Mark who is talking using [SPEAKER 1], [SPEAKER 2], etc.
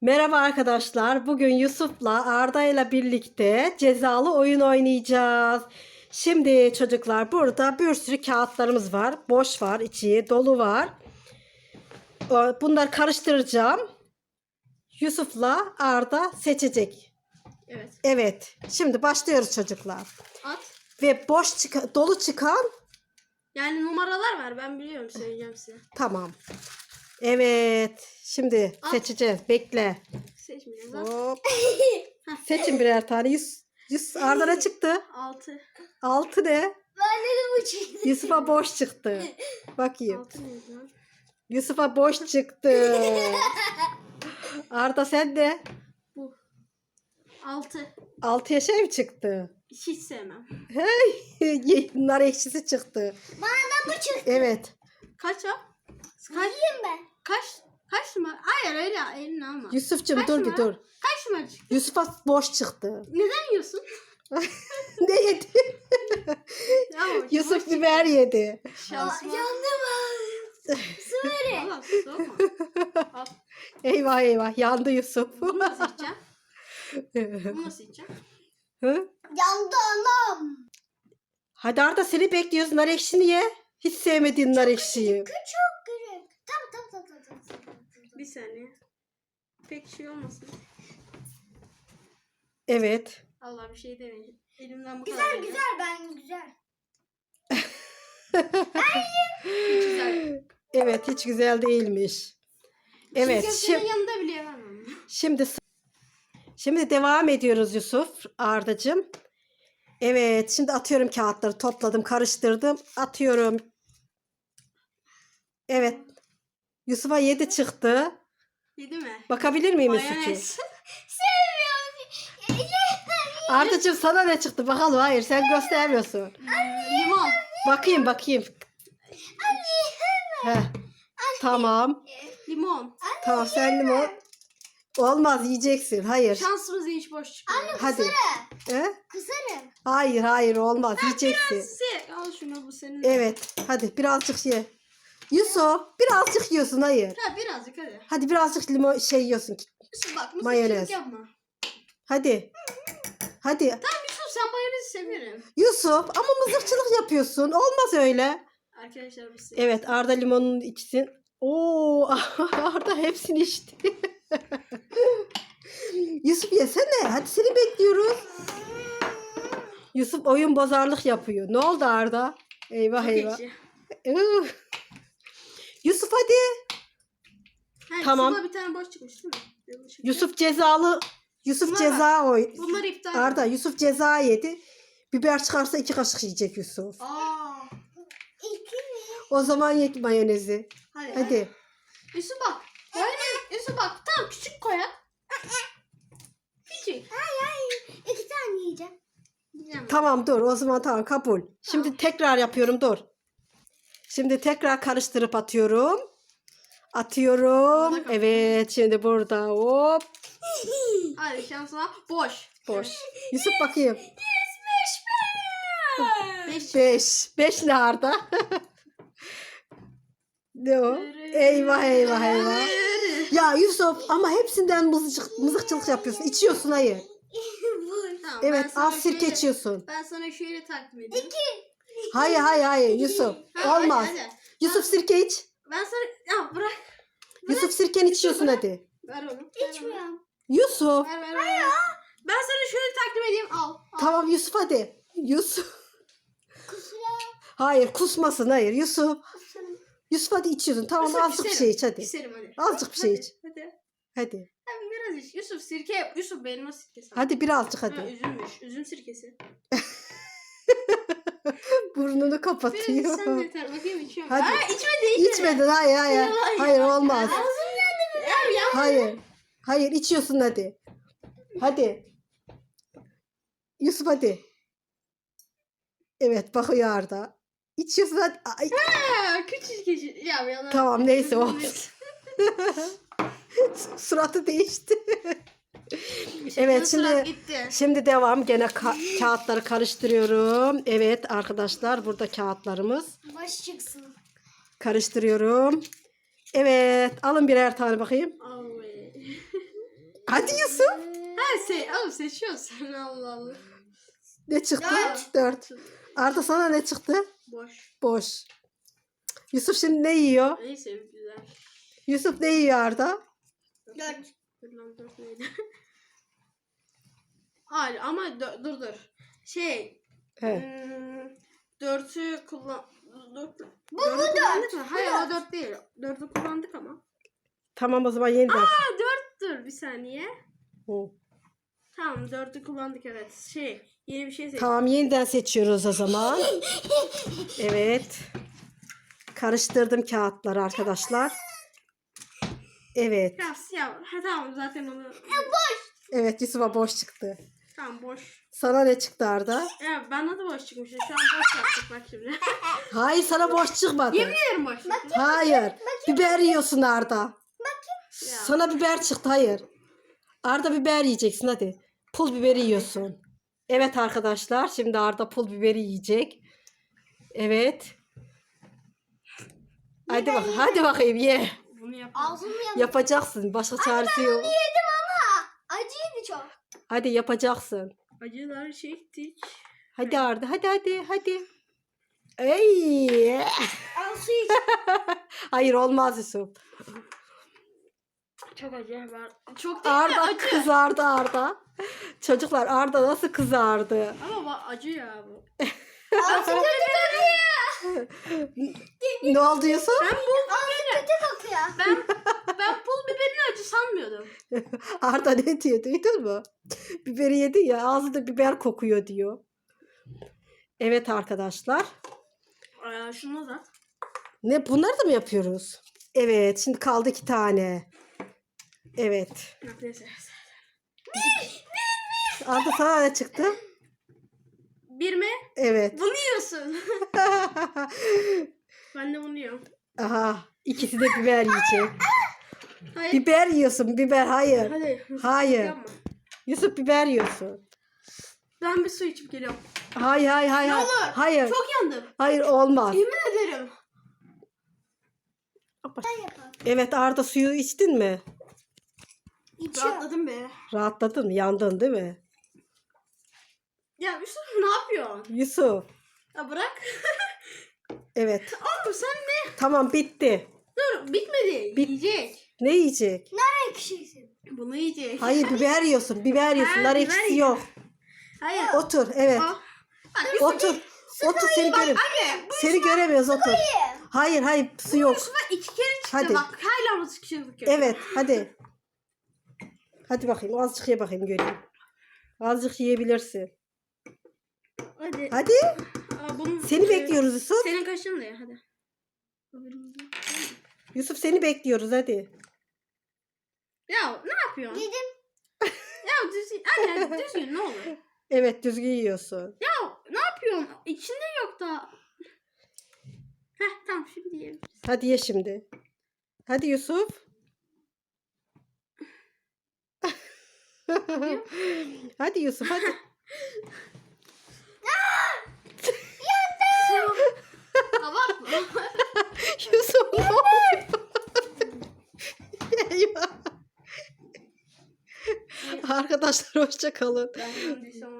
[SPEAKER 1] Merhaba arkadaşlar. Bugün Yusuf'la Arda ile birlikte cezalı oyun oynayacağız. Şimdi çocuklar burada bir sürü kağıtlarımız var. Boş var, içi dolu var. Bunları karıştıracağım. Yusuf'la Arda seçecek.
[SPEAKER 2] Evet.
[SPEAKER 1] Evet. Şimdi başlıyoruz çocuklar.
[SPEAKER 2] At.
[SPEAKER 1] Ve dolu çıkan
[SPEAKER 2] Yani numaralar var. Ben biliyorum, söyleyeceğim size.
[SPEAKER 1] tamam. Evet. Şimdi
[SPEAKER 2] At.
[SPEAKER 1] seçeceğiz. Bekle.
[SPEAKER 2] Seçmeyeceğiz. At.
[SPEAKER 1] Hop. Seçin birer tane. Arda ne çıktı?
[SPEAKER 2] 6.
[SPEAKER 1] 6 ne?
[SPEAKER 3] Ben dedim bu çıktı.
[SPEAKER 1] Yusuf'a boş çıktı. Bakayım.
[SPEAKER 2] 6 neydi lan?
[SPEAKER 1] Yusuf'a boş çıktı. Arda sen de
[SPEAKER 2] Bu. 6.
[SPEAKER 1] 6'ya şey mi çıktı?
[SPEAKER 2] Hiç sevmem.
[SPEAKER 1] Hey, nar ekşisi çıktı.
[SPEAKER 3] Bana da bu çıktı.
[SPEAKER 1] Evet.
[SPEAKER 2] Kaç o? Kaç?
[SPEAKER 3] Yiyeyim ben.
[SPEAKER 2] Kaç numara? Hayır, öyle elini alma.
[SPEAKER 1] Yusuf'cum
[SPEAKER 2] Kaç
[SPEAKER 1] dur bir
[SPEAKER 2] numara?
[SPEAKER 1] dur.
[SPEAKER 2] Kaç numara çıktı?
[SPEAKER 1] Yusuf'a boş çıktı.
[SPEAKER 2] Neden yiyorsun?
[SPEAKER 1] Ne yedi?
[SPEAKER 2] Ya,
[SPEAKER 1] Yusuf biber yedi.
[SPEAKER 2] Şansıma.
[SPEAKER 3] Yandım ben. Su verin.
[SPEAKER 2] Valla soğuma. Al.
[SPEAKER 1] Eyvah eyvah yandı Yusuf.
[SPEAKER 2] Bunu nasıl içeceğim? Bunu nasıl içeceğim?
[SPEAKER 1] Hı?
[SPEAKER 3] Yandı anam.
[SPEAKER 1] Hadi Arda seni bekliyoruz. Nar ekşini ye. Hiç sevmediğin nar ekşiyi.
[SPEAKER 3] Küçük küçük. Tamam.
[SPEAKER 2] Bir saniye. Pek şey olmasın.
[SPEAKER 1] Evet.
[SPEAKER 2] Allah, bir şey demeyeceğim. Elimden bu
[SPEAKER 3] Güzel
[SPEAKER 2] kadar.
[SPEAKER 3] güzel ben güzel.
[SPEAKER 2] Güzel.
[SPEAKER 1] Evet hiç güzel değilmiş. Evet
[SPEAKER 2] Senin yanında bile yemem.
[SPEAKER 1] şimdi devam ediyoruz Yusuf Ardacığım. Evet şimdi atıyorum kağıtları topladım karıştırdım atıyorum. Evet Yusuf'a 7 çıktı.
[SPEAKER 2] Yedi mi?
[SPEAKER 1] Bakabilir miyim Yusuf'cuğum?
[SPEAKER 2] Mayonez.
[SPEAKER 1] Ardacığım sana ne çıktı bakalım, hayır sen göstermiyorsun.
[SPEAKER 2] Limon.
[SPEAKER 1] Bakayım. Heh. Tamam.
[SPEAKER 2] Limon.
[SPEAKER 1] Tamam sen limon. Olmaz yiyeceksin, hayır.
[SPEAKER 2] Şansımız hiç boş çıkıyor.
[SPEAKER 1] Hadi. He?
[SPEAKER 3] Kısarım.
[SPEAKER 1] Hayır olmaz yiyeceksin.
[SPEAKER 2] Al şunu, bu senin.
[SPEAKER 1] Evet hadi birazcık ye. Yusuf birazcık yiyorsun, hayır.
[SPEAKER 2] Ha, birazcık hadi.
[SPEAKER 1] Hadi birazcık limon yiyorsun.
[SPEAKER 2] Yusuf bak,
[SPEAKER 1] Mayonez.
[SPEAKER 2] mısırcılık yapma.
[SPEAKER 1] Hadi.
[SPEAKER 2] Tamam Yusuf, sen mayonezi severim.
[SPEAKER 1] Yusuf ama mızıkçılık yapıyorsun. Olmaz öyle.
[SPEAKER 2] Arkadaşlar biz
[SPEAKER 1] Evet Arda limonunu içsin. Oo Arda hepsini içti. Yusuf yesene. Hadi seni bekliyoruz. Yusuf oyun bozarlık yapıyor. Ne oldu Arda? Eyvah
[SPEAKER 2] Çok
[SPEAKER 1] eyvah.
[SPEAKER 2] ekşi.
[SPEAKER 1] Yusuf hadi.
[SPEAKER 2] Ha,
[SPEAKER 1] Tamam.
[SPEAKER 2] Yusuf'a bir tane boş çıkmış değil mi? Yanlış
[SPEAKER 1] Yusuf cezalı. Yusuf
[SPEAKER 2] Bunlar
[SPEAKER 1] ceza oy.
[SPEAKER 2] Bunları iptal et.
[SPEAKER 1] Arda Yusuf ceza yedi. Biber çıkarsa 2 kaşık yiyecek Yusuf.
[SPEAKER 2] Aa.
[SPEAKER 3] İki mi?
[SPEAKER 1] O zaman ye mayonezi. Hadi.
[SPEAKER 2] Yusuf bak. Yusuf bak. Tamam, küçük koyak. Küçük.
[SPEAKER 3] Hayır. İki tane yiyeceğim.
[SPEAKER 2] Yiyeceğim.
[SPEAKER 1] Tamam dur o zaman tamam kabul. Şimdi tekrar yapıyorum dur. Şimdi tekrar karıştırıp atıyorum. Atıyorum. Evet şimdi burada hop.
[SPEAKER 2] Hadi şansına. Boş.
[SPEAKER 1] Boş. Yusuf bakayım.
[SPEAKER 2] 5.
[SPEAKER 1] 5 ne Arda? Ne o? Eyvah. Ya Yusuf ama hepsinden mızıkçılık yapıyorsun. İçiyorsun hayır.
[SPEAKER 2] Tamam,
[SPEAKER 1] Evet az sirke
[SPEAKER 2] şöyle,
[SPEAKER 1] içiyorsun.
[SPEAKER 2] ben sana şöyle takdim edeyim.
[SPEAKER 1] Hayır Yusuf.
[SPEAKER 2] Ha,
[SPEAKER 1] Olmaz.
[SPEAKER 2] hadi.
[SPEAKER 1] Yusuf sirke iç.
[SPEAKER 2] Ben sana... Ya bırak.
[SPEAKER 1] Yusuf sirkeni içiyorsun hadi.
[SPEAKER 2] Ver onu.
[SPEAKER 3] İçmiyorum.
[SPEAKER 1] Yusuf.
[SPEAKER 2] Ver. Ben sana şöyle takdim edeyim. Al.
[SPEAKER 1] Tamam Yusuf hadi. Yusuf.
[SPEAKER 3] Kusura.
[SPEAKER 1] Hayır kusmasın hayır Yusuf. Yusuf hadi içiyorsun. Tamam
[SPEAKER 2] Yusuf,
[SPEAKER 1] azıcık bir
[SPEAKER 2] küserim.
[SPEAKER 1] şey iç hadi.
[SPEAKER 2] Küserim hadi.
[SPEAKER 1] Azıcık bir şey
[SPEAKER 2] Hadi,
[SPEAKER 1] iç.
[SPEAKER 2] Hadi.
[SPEAKER 1] Hadi.
[SPEAKER 2] Hadi biraz iç. Yusuf sirke yap. Yusuf benim o sirkesi.
[SPEAKER 1] Hadi birazcık
[SPEAKER 2] Ha,
[SPEAKER 1] hadi.
[SPEAKER 2] üzümmüş. Üzüm sirkesi.
[SPEAKER 1] Burnunu
[SPEAKER 2] Biraz
[SPEAKER 1] kapatıyor.
[SPEAKER 2] sen de yeter. Bakayım içiyorum.
[SPEAKER 1] Hadi.
[SPEAKER 2] Ha, içmedi.
[SPEAKER 1] İçmedin hayır. Hayır olmaz.
[SPEAKER 2] Ya.
[SPEAKER 1] Hayır içiyorsun hadi. Hadi. Yusuf hadi. Evet bakıyor Arda. İçiyorsun hadi. Ay,
[SPEAKER 2] Ha, küçük. Ya yalan.
[SPEAKER 1] tamam neyse olsun. Suratı değişti. Evet şimdi devam. Gene kağıtları karıştırıyorum. Evet arkadaşlar burada kağıtlarımız.
[SPEAKER 3] Baş çıksın.
[SPEAKER 1] Karıştırıyorum. Evet alın birer tane bakayım.
[SPEAKER 2] Ay.
[SPEAKER 1] Hadi Yusuf.
[SPEAKER 2] Oğlum seçiyorsun Allah Allah.
[SPEAKER 1] Ne çıktı?
[SPEAKER 2] Dört.
[SPEAKER 1] 4. Arda sana ne çıktı?
[SPEAKER 2] Boş.
[SPEAKER 1] Boş. Yusuf şimdi ne yiyor?
[SPEAKER 2] Neyse güzel.
[SPEAKER 1] Yusuf ne yiyor Arda?
[SPEAKER 3] 4.
[SPEAKER 2] Dur lan 4 neydi? Hayır ama dur. Şey.
[SPEAKER 1] He.
[SPEAKER 2] 4'ü kullan... Bu
[SPEAKER 3] 4.
[SPEAKER 2] kullandık mı? Hayır o 4 değil. 4'ü kullandık ama.
[SPEAKER 1] Tamam o zaman yeniden.
[SPEAKER 2] Aa 4'tür bir saniye.
[SPEAKER 1] Hı.
[SPEAKER 2] Tamam 4'ü kullandık evet. Yeni bir şey seç.
[SPEAKER 1] Tamam yeniden seçiyoruz o zaman. Evet. Karıştırdım kağıtları arkadaşlar. Evet.
[SPEAKER 2] Ya siyah. Ha tamam zaten onu.
[SPEAKER 1] Evet Yusuf'a boş çıktı.
[SPEAKER 2] Tamam boş.
[SPEAKER 1] Sana ne çıktı Arda?
[SPEAKER 2] Ya bana da boş çıkmış. Şu an boş yaptık bak şimdi.
[SPEAKER 1] Hayır sana boş çıkmadı.
[SPEAKER 2] Yemin ederim boş. çıktı.
[SPEAKER 1] Hayır. Biber yiyorsun Arda.
[SPEAKER 2] Ya.
[SPEAKER 1] Sana biber çıktı hayır. Arda biber yiyeceksin hadi. Pul biberi yiyorsun. Evet arkadaşlar şimdi Arda pul biberi yiyecek. Evet. Hadi bakayım ye.
[SPEAKER 2] Bunu yap.
[SPEAKER 3] Ağzımı yandı.
[SPEAKER 1] Yapacaksın. Başka çaresi yok.
[SPEAKER 3] Yedim ama acıydı çok.
[SPEAKER 1] Hadi yapacaksın.
[SPEAKER 2] Acılar çektik.
[SPEAKER 1] Hadi Arda hadi. Ey!
[SPEAKER 3] Al su iç.
[SPEAKER 1] Hayır olmaz Yusuf.
[SPEAKER 2] Çok acı var. Çok değil de
[SPEAKER 1] Arda
[SPEAKER 2] acı.
[SPEAKER 1] kızardı Arda. Çocuklar Arda nasıl kızardı?
[SPEAKER 2] Ama acı ya bu.
[SPEAKER 3] Ağzı kötü kokuyor.
[SPEAKER 1] Ne oldu Yusuf?
[SPEAKER 3] Ağzı kötü kokuyor.
[SPEAKER 2] Ben pul biberini acı sanmıyordum.
[SPEAKER 1] Arda ne diyor duydun mu? Biberi yedi ya ağzında biber kokuyor diyor. Evet arkadaşlar.
[SPEAKER 2] Şunu da.
[SPEAKER 1] Ne bunları da mı yapıyoruz? Evet şimdi kaldı 2 tane. Evet.
[SPEAKER 2] Neyse.
[SPEAKER 1] Arda sana ne çıktı?
[SPEAKER 2] Bir mi?
[SPEAKER 1] Evet.
[SPEAKER 2] Bunu yiyorsun. Ben de bunu yiyorum.
[SPEAKER 1] Aha ikisi de biber yiyecek.
[SPEAKER 2] Hayır.
[SPEAKER 1] Biber yiyorsun biber hayır.
[SPEAKER 2] Hadi.
[SPEAKER 1] Hayır.
[SPEAKER 2] Yapma.
[SPEAKER 1] Yusuf biber yiyorsun.
[SPEAKER 2] Ben bir su içip geliyorum.
[SPEAKER 1] Hayır.
[SPEAKER 2] Ne olur?
[SPEAKER 1] Hayır.
[SPEAKER 2] Çok yandım.
[SPEAKER 1] Hayır olmaz.
[SPEAKER 2] Yemin ederim.
[SPEAKER 3] Ben yapalım.
[SPEAKER 1] Evet Arda suyu içtin mi?
[SPEAKER 3] İçiyor.
[SPEAKER 2] Rahatladım be.
[SPEAKER 1] Rahatladın mı? Yandın değil mi?
[SPEAKER 2] Ya Yusuf ne yapıyorsun?
[SPEAKER 1] Yusuf.
[SPEAKER 2] Ya bırak.
[SPEAKER 1] Evet.
[SPEAKER 2] Oğlum sen ne?
[SPEAKER 1] Tamam bitti.
[SPEAKER 2] Dur bitmedi. Yiyecek.
[SPEAKER 1] Ne yiyecek?
[SPEAKER 3] Nar ekşisi.
[SPEAKER 2] Bunu yiyecek.
[SPEAKER 1] Hayır biber yiyorsun. Biber yiyorsun.
[SPEAKER 2] Ha,
[SPEAKER 1] Nar
[SPEAKER 2] biber
[SPEAKER 1] ekşisi
[SPEAKER 2] yiyor.
[SPEAKER 1] yok.
[SPEAKER 2] Hayır.
[SPEAKER 1] Otur. Evet.
[SPEAKER 2] Al. Bak, Yusuf,
[SPEAKER 1] Otur. Otur seni göremiyoruz.
[SPEAKER 2] Anne bu
[SPEAKER 1] Seni göremiyoruz otur. Hayır su yok.
[SPEAKER 2] Yusuf'a 2 kere çıktı
[SPEAKER 1] Hadi.
[SPEAKER 2] bak. Hala mı sıkışırdık yok.
[SPEAKER 1] Evet hadi. Hadi bakayım azıcık ye bakayım göreyim. Azıcık yiyebilirsin.
[SPEAKER 2] Hadi.
[SPEAKER 1] Hadi. Seni bekliyoruz Yusuf.
[SPEAKER 2] Senin kaşın da ya hadi.
[SPEAKER 1] Yusuf seni bekliyoruz hadi.
[SPEAKER 2] Ya ne yapıyorsun?
[SPEAKER 3] Yedim.
[SPEAKER 2] Ya düzgün. Anne düzgün ne olur.
[SPEAKER 1] Evet düzgün yiyorsun.
[SPEAKER 2] Ya ne yapıyorsun? İçinde yok da. Heh tamam şimdi yiyelim.
[SPEAKER 1] Hadi ye şimdi. Hadi Yusuf. Hadi Yusuf hadi.
[SPEAKER 2] Abartma.
[SPEAKER 1] Yusuf ne oluyor? Eyvah. Arkadaşlar hoşça kalın.
[SPEAKER 2] Ben bunu